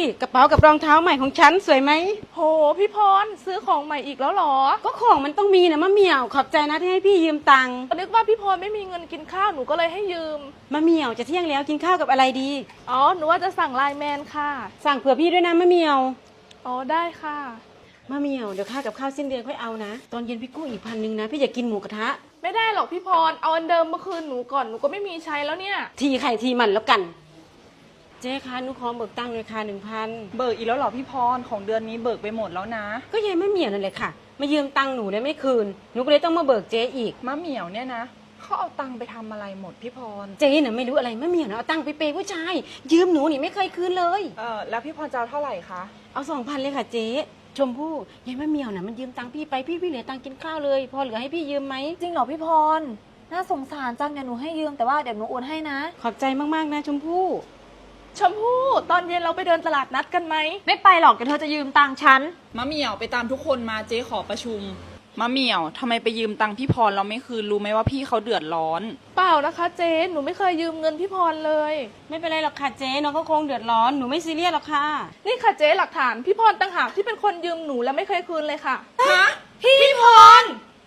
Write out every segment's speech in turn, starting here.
กระเป๋ากับรองเท้าใหม่ของฉันสวยไหมโหพี่พรซื้อของใหม่อีกแล้วเหรอก็ของมันต้องมีนะมะเหมี่ยวขอบใจนะที่ให้พี่ยืมตังค์นึกว่าพี่พรไม่มีเงินกินข้าวหนูก็เลยให้ยืมมะเหมี่ยวจะเที่ยงแล้วกินข้าวกับอะไรดีอ๋อหนูว่าจะสั่งไลน์แมนค่ะสั่งเผื่อพี่ด้วยนะมะเหมี่ยวอ๋อได้ค่ะมะเหมี่ยวเดี๋ยวค่ากับข้าวสิ้นเดือนค่อยเอานะตอนเย็นพี่กู้อีก1,000นะพี่อยากกินหมูกระทะไม่ได้หรอกพี่พรเอาอันเดิมเมื่อคืนหนูก่อนหนูก็ไม่มีใช้แล้วเนี่ยทีไข่ทีมันแล้วกันเจ๊คะหนูขอเบิกตังค์เลยค่ะ1,000 เบิกอีกแล้วเหรอพี่พรของเดือนนี้เบิกไปหมดแล้วนะก็ยายมะเหมี่ยวนั่นแหละค่ะมายืมตังค์หนูได้ไม่คืนหนูก็เลยต้องมาเบิกเจ๊อีกมะเหมี่ยวเนี่ยนะเขาเอาตังค์ไปทำอะไรหมดพี่พรเจ๊น่ะไม่รู้อะไรมะเหมี่ยวนะเอาตังค์ไปเปย์ผู้ชายยืมหนูนี่ไม่เคยคืนเลยแล้วพี่พรจะเอาเท่าไหร่คะเอา2,000เลยค่ะเจ๊ชมพู่ยายมะเหมี่ยวน่ะมันยืมตังค์พี่ไปพี่เหลือตังค์กินข้าวเลยพอเหลือให้พี่ยืมไหมจริงเหรอพี่พรน่าสงสารจังเดี๋ยวหนูให้ยืมแต่ว่าเดี๋ยวหนูโอนให้นะขอบใจมากๆนะชมพู่ชมพู่ตอนเย็นเราไปเดินตลาดนัดกันไหมไม่ไปหรอกเดี๋ยวเธอจะยืมตังค์ฉันมะเหมี่ยวไปตามทุกคนมาเจ๊ขอประชุมมะเหมี่ยวทำไมไปยืมตังค์พี่พรเราไม่คืนรู้ไหมว่าพี่เขาเดือดร้อนเปล่านะคะเจ๊หนูไม่เคยยืมเงินพี่พรเลยไม่เป็นไรหรอกค่ะเจ๊น้องก็คงเดือดร้อนหนูไม่ซีเรียสหรอกค่ะนี่ค่ะเจ๊หลักฐานพี่พรต่างหากที่เป็นคนยืมหนูและไม่เคยคืนเลยค่ะฮะพี่พร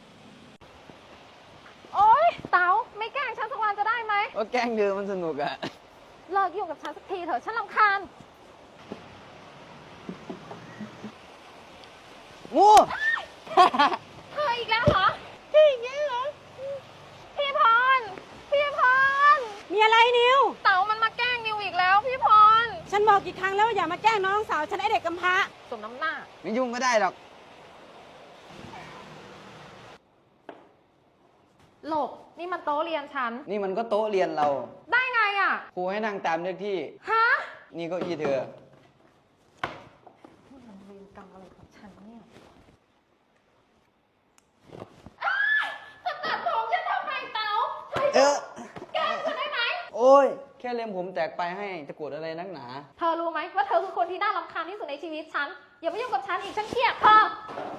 โอ๊ยเต๋าไม่แกล้งฉันสักวันจะได้ไหมก็แกล้งเธอมันสนุกอะเลิกยุ่งกับฉันสักทีเถอะฉันรำคาญงูเธออีกแล้วเหรอพี่อีกแล้วเหรอพี่พรมีอะไรนิวเต๋ามันมาแกล้งนิวอีกแล้วพี่พรฉันบอกกี่ครั้งแล้วว่าอย่ามาแกล้งน้องสาวฉันไอเด็กกำพร้าสมน้ำหน้าไม่ยุ่งก็ได้หรอกหลบนี่มันโต๊ะเรียนฉันนี่มันก็โต๊ะเรียนเราได้ไงอ่ะครูให้นั่งตามเลขที่ฮะนี่เก็อี้เธอมันเวรกรรมอะไรของฉันเนี่ยตัดผมฉันทำไมเต๋าแกฉันได้ไหมโอ้ยแค่เล็มผมแตกไปให้ตะกรวดอะไรนักหนาเธอรู้ไหมว่าเธอคือคนที่น่ารำคาญที่สุดในชีวิตฉันอย่ามายุ่งกับฉันอีกฉันเครียดเธอ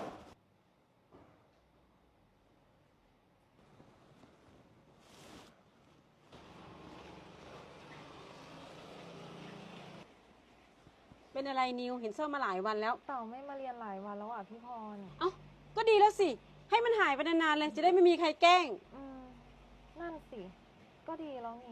เป็นอะไรนิวเห็นเสื้อมาหลายวันแล้วเต๋าไม่มาเรียนหลายวันแล้วอ่ะพี่พรเอ้าก็ดีแล้วสิให้มันหายไปนานๆเลยจะได้ไม่มีใครแกล้งนั่นสิก็ดีแล้วนี่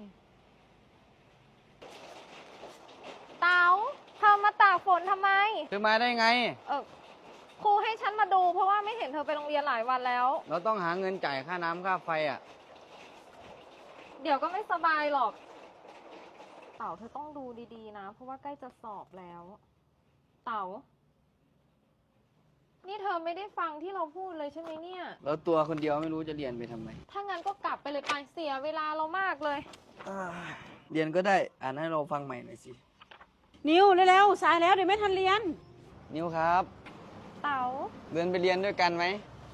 เต๋าเธอมาตากฝนทำไมเธอมาได้ไงครูให้ฉันมาดูเพราะว่าไม่เห็นเธอไปโรงเรียนหลายวันแล้วเราต้องหาเงินจ่ายค่าน้ำค่าไฟอ่ะเดี๋ยวก็ไม่สบายหรอกเต๋าเธอต้องดูดีๆนะเพราะว่าใกล้จะสอบแล้วเต๋านี่เธอไม่ได้ฟังที่เราพูดเลยใช่ไหมเนี่ยแล้วตัวคนเดียวไม่รู้จะเรียนไปทำไมถ้างั้นก็กลับไปเลยไปเสียเวลาเรามากเลยเรียนก็ได้อ่านให้เราฟังใหม่หน่อยสินิวเร็วๆสายแล้วเดี๋ยวไม่ทันเรียนนิวครับเต๋าเดินไปเรียนด้วยกันไหม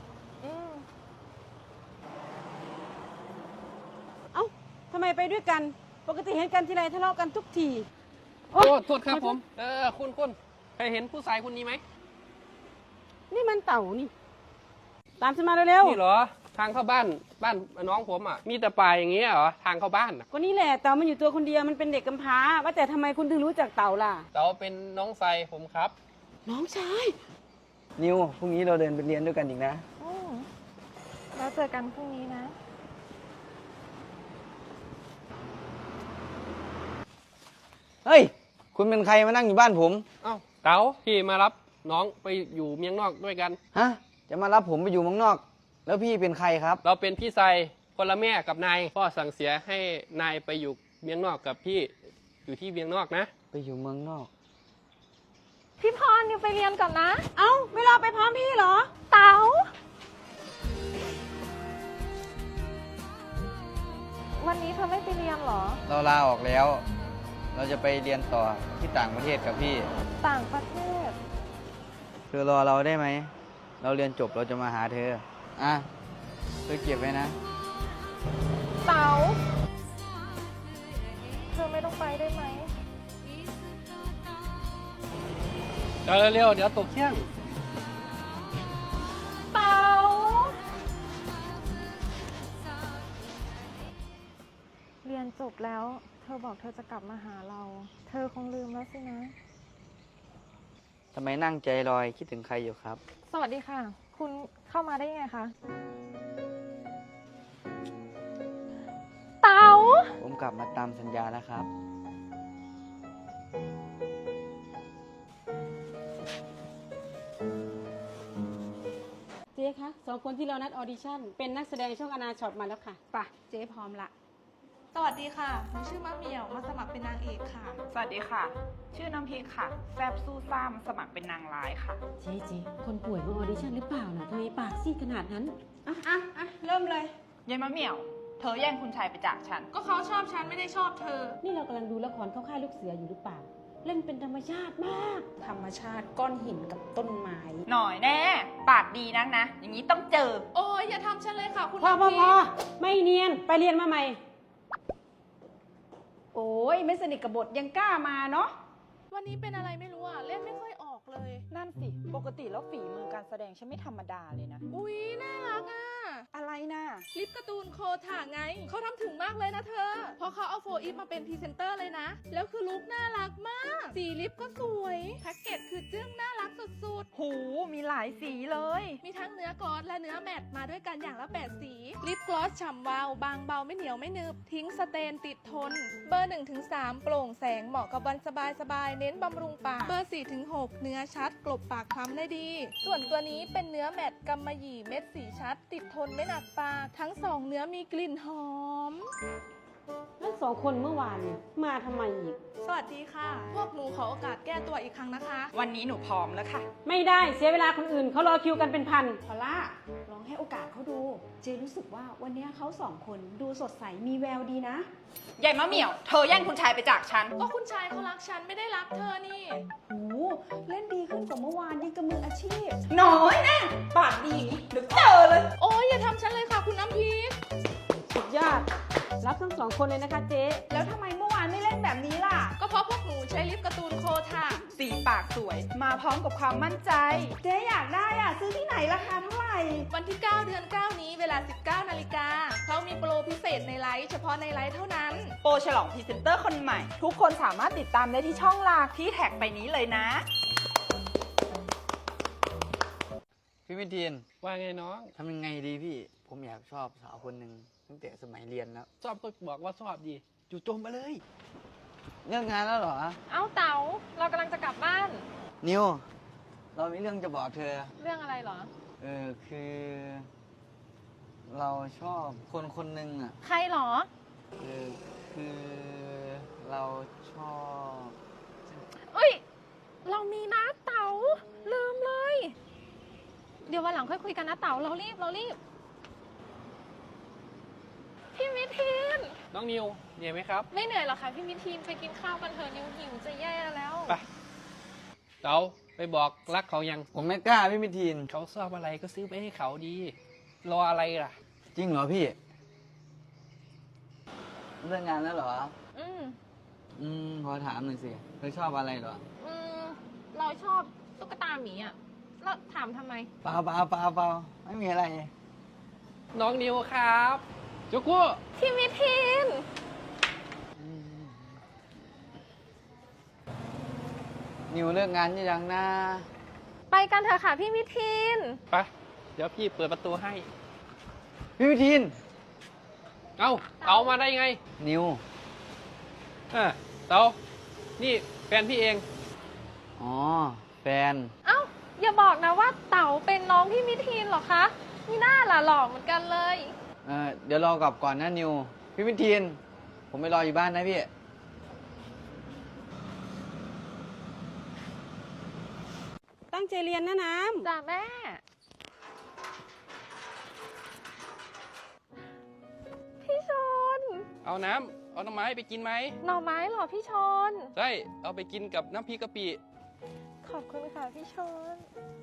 เอ้าทำไมไปด้วยกันปกติเห็นกันทีไรทะเลาะกันทุกทีโอ้โทษครับผมคุณเคยเห็นผู้ชายคนนี้ไหมนี่มันเต่านี่ตามฉันมาเร็วๆนี่เหรอทางเข้าบ้านน้องผมอ่ะมีแต่ป่าอย่างเงี้ยเหรอทางเข้าบ้านก็นี่แหละเต่ามันอยู่ตัวคนเดียวมันเป็นเด็กกำพร้าว่าแต่ทำไมคุณถึงรู้จักเต่าล่ะเต่าเป็นน้องชายผมครับน้องชายนิวพรุ่งนี้เราเดินไปเรียนด้วยกันอีกนะแล้วเจอกันพรุ่งนี้นะเฮ้ยคุณเป็นใครมานั่งอยู่บ้านผมเอ้าเต่าพี่มารับน้องไปอยู่เมียงนอกด้วยกันฮะจะมารับผมไปอยู่เมืองนอกแล้วพี่เป็นใครครับเราเป็นพี่ชายคนละแม่กับนายพ่อสั่งเสียให้นายไปอยู่เมียงนอกกับพี่อยู่ที่เมียงนอกนะไปอยู่เมืองนอกพี่พรนิวไปเรียนก่อนนะเอ้าไม่รอไปพร้อมพี่เหรอเต๋าวันนี้เธอไม่ไปเรียนเหรอเราลาออกแล้วเราจะไปเรียนต่อที่ต่างประเทศกับพี่ต่างประเทศเธอรอเราได้ไหมเราเรียนจบเราจะมาหาเธอเธอเก็บไว้นะเต๋าเธอไม่ต้องไปได้ไหมเดี๋ยวเร็วเดี๋ยวตกเที่ยงเต๋าเรียนจบแล้วเธอบอกเธอจะกลับมาหาเราเธอคงลืมแล้วสินะทำไมนั่งใจลอยคิดถึงใครอยู่ครับสวัสดีค่ะ คุณเข้ามาได้ยังไงคะ เต๋าผมกลับมาตามสัญญาแล้วครับเจ๊คะสองคนที่เรานัดออดิชั่นเป็นนักแสดงช่องอนาช็อตมาแล้วค่ะป่ะเจ๊พร้อมละสวัสดีค่ะ หนูชื่อมะเหมี่ยว มาสมัครเป็นนางเอกค่ะสวัสดีค่ะ ชื่อน้ำพริกค่ะ แซบสู้ซ่ามสมัครเป็นนางร้ายค่ะเจ๊คนป่วยมาออดิชั่นหรือเปล่านะทำไมปากซีดขนาดนั้นเริ่มเลยยายมะเหมี่ยว เธอแย่งคุณชายไปจากฉันก็เขาชอบฉันไม่ได้ชอบเธอนี่เรากำลังดูละครเข้าค่ายลูกเสืออยู่หรือเปล่า เล่นเป็นธรรมชาติมาก ธรรมชาติก้อนหินกับต้นไม้หน่อยแน่ ปากดีนักนะ อย่างนี้ต้องเจอโอ้ยอย่าทำฉันเลยค่ะคุณพอน้ำพริกไม่เนียนไปเรียนมาใหม่ โอ้ยไม่สนิทกับบทยังกล้ามาเนาะวันนี้เป็นอะไรไม่รู้อ่ะ เล่นไม่ค่อยออกเลยนั่นสิ ปกติแล้วฝีมือการแสดงฉันไม่ธรรมดาเลยนะอุ๊ย น่ารักอ่ะอะไรนะลิปการ์ตูนโคถ่าไง เขาทำถึงมากเลยนะเธอ เพราะเขาเอาโฟอีฟมาเป็นพรีเซนเตอร์เลยนะ แล้วคือลุคน่ารักมาก สีลิปก็สวย แพ็กเกจคือจึ้งน่ารักสุดหู มีหลายสีเลยๆ มีทั้งเนื้อกลอสและเนื้อแมตต์มาด้วยกันอย่างละ 8 สี ลิปกลอสฉ่ำวาว บางเบาไม่เหนียวไม่หนึบ ทิ้งสเตนติดทน เบอร์ 1-3 โปร่งแสงเหมาะกับวันสบายๆ เน้นบำรุงปาก เบอร์ 4-6 เนื้อชัด กลบปากคล้ำได้ดี ส่วนตัวนี้เป็นเนื้อแมตต์กำมะหยี่เม็ดสีชัด ติดทนไม่หนักปาก ทั้งสองเนื้อมีกลิ่นหอมแล้วสองคนเมื่อวานเนี่ยมาทำไมอีกสวัสดีค่ะ พวกหนูขอโอกาสแก้ตัวอีกครั้งนะคะวันนี้หนูพร้อมแล้วค่ะไม่ได้เสียเวลาคนอื่นเขารอคิวกันเป็นพันพอลล่าลองให้โอกาสเขาดู เจรู้สึกว่าวันนี้เขาสองคนดูสดใสมีแววดีนะยายมะเหมี่ยว เธอแย่งคุณชายไปจากฉันก็คุณชายเขารักฉันไม่ได้รักเธอนี่หูเล่นดีขึ้นกว่าเมื่อวานยิ่งกับมืออาชีพน้อยนะ ปากดีอย่างนี้เดี๋ยวเจอเลยโอ้ยอย่าทำฉันเลยค่ะคุณน้ำพริกสุดยอด รับทั้งสองคนเลยนะคะเจ๊แล้วทำไมเมื่อวานไม่เล่นแบบนี้ล่ะก็เพราะพวกหนูใช้ลิปการ์ตูนโคถ่าสีปากสวย มาพร้อมกับความมั่นใจเจ๊อยากได้อ่ะ ซื้อที่ไหนราคาเท่าไหร่วันที่ 9 เดือน 9 นี้เวลา 19 นาฬิกาเขามีโปรพิเศษในไลฟ์เฉพาะในไลฟ์เท่านั้นโปรฉลองพรีเซนเตอร์คนใหม่ ทุกคนสามารถติดตามได้ที่ช่องหลักที่แท็กไปนี้เลยนะพี่วิทีนว่าไงน้องทำยังไงดีพี่ ผมอยากชอบสาวคนหนึ่งตั้งแต่สมัยเรียนแล้วชอบก็บอกว่าชอบดีจู่โจมมาเลยเลิกงานแล้วเหรอเอ้าเต๋า เรากำลังจะกลับบ้านนิว เรามีเรื่องจะบอกเธอเรื่องอะไรเหรอคือ เราชอบคนคนหนึ่งอ่ะใครเหรอคือเราชอบเอ้ย เรามีนะเต๋า ลืมเลย เดี๋ยววันหลังค่อยคุยกันนะเต๋า เรารีบ พี่มิทีนน้องนิวเหนื่อยไหมครับไม่เหนื่อยหรอกค่ะพี่มิทีนไปกินข้าวกันเถอะนิวหิวจะแย่แล้วไปเต๋าไปบอกรักเขายังผมไม่กล้าพี่วิทีนเขาชอบอะไรก็ซื้อไปให้เขาดี รออะไรล่ะจริงเหรอพี่เลิกงานแล้วเหรอ ขอถามหน่อยสิเธอชอบอะไรเหรอเราชอบตุ๊กตาหมีอ่ะ แล้วถามทำไมเปล่าไม่มีอะไรน้องนิวครับจุกุพี่มิทีนนิวเลิกงานยังนะไปกันเถอะค่ะพี่มิทีนไปเดี๋ยวพี่เปิดประตูให้พี่วิทีนเอามาได้ไงนิวเต๋านี่แฟนพี่เองอ๋อ แฟนเอ้า อย่าบอกนะว่าเต๋าเป็นน้องพี่มิทีนเหรอคะนี่น่าล่ะหล่อเหมือนกันเลยเดี๋ยวรอกลับก่อนนะนิว พี่วิทีน ผมไปรออยู่บ้านนะพี่ตั้งใจเรียนนะน้ำจ้าแม่ พี่ชนเอาน้ำเอาหน่อไม้ไปกินไหมหน่อไม้เหรอพี่ชนใช่เอาไปกินกับน้ำพริกกะปิขอบคุณค่ะพี่ชน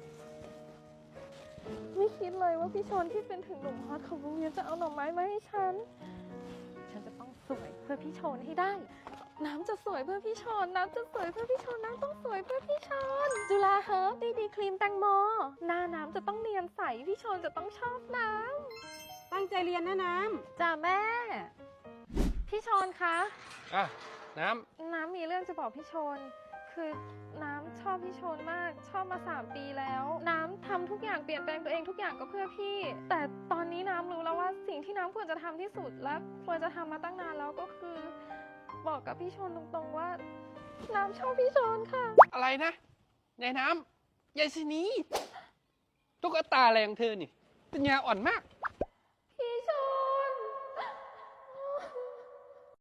ไม่คิดเลยว่าพี่ชนที่เป็นถึงหนุ่มฮอตของโรงเรียนจะเอาหน่อไม้มาให้ฉัน ฉันจะต้องสวยเพื่อพี่ชนให้ได้ น้ำจะสวยเพื่อพี่ชน น้ำจะสวยเพื่อพี่ชน น้ำต้องสวยเพื่อพี่ชน จุฬาเฮิร์บดีครีมแตงโม หน้าน้ำจะต้องเนียนใส พี่ชนจะต้องชอบน้ำตั้งใจเรียนนะน้จ้าแม่ พี่ชนคะอ่ะน้น้ำมีเรื่องจะบอกพี่ชน พคือน้ำชอบพี่ชนมาก ชอบมา3 ปีแล้ว น้ำทำทุกอย่างเปลี่ยนแปลงตัวเองทุกอย่างก็เพื่อพี่ แต่ตอนนี้น้ำรู้แล้วว่าสิ่งที่น้ำควรจะทำที่สุดและควรจะทำมาตั้งนานแล้วก็คือ บอกกับพี่ชนตรงๆว่า น้ำชอบพี่ชนค่ะอะไรนะยายน้ำยายสินีตุ๊กตาอะไรของเธอนี่ปัญญาอ่อนมาก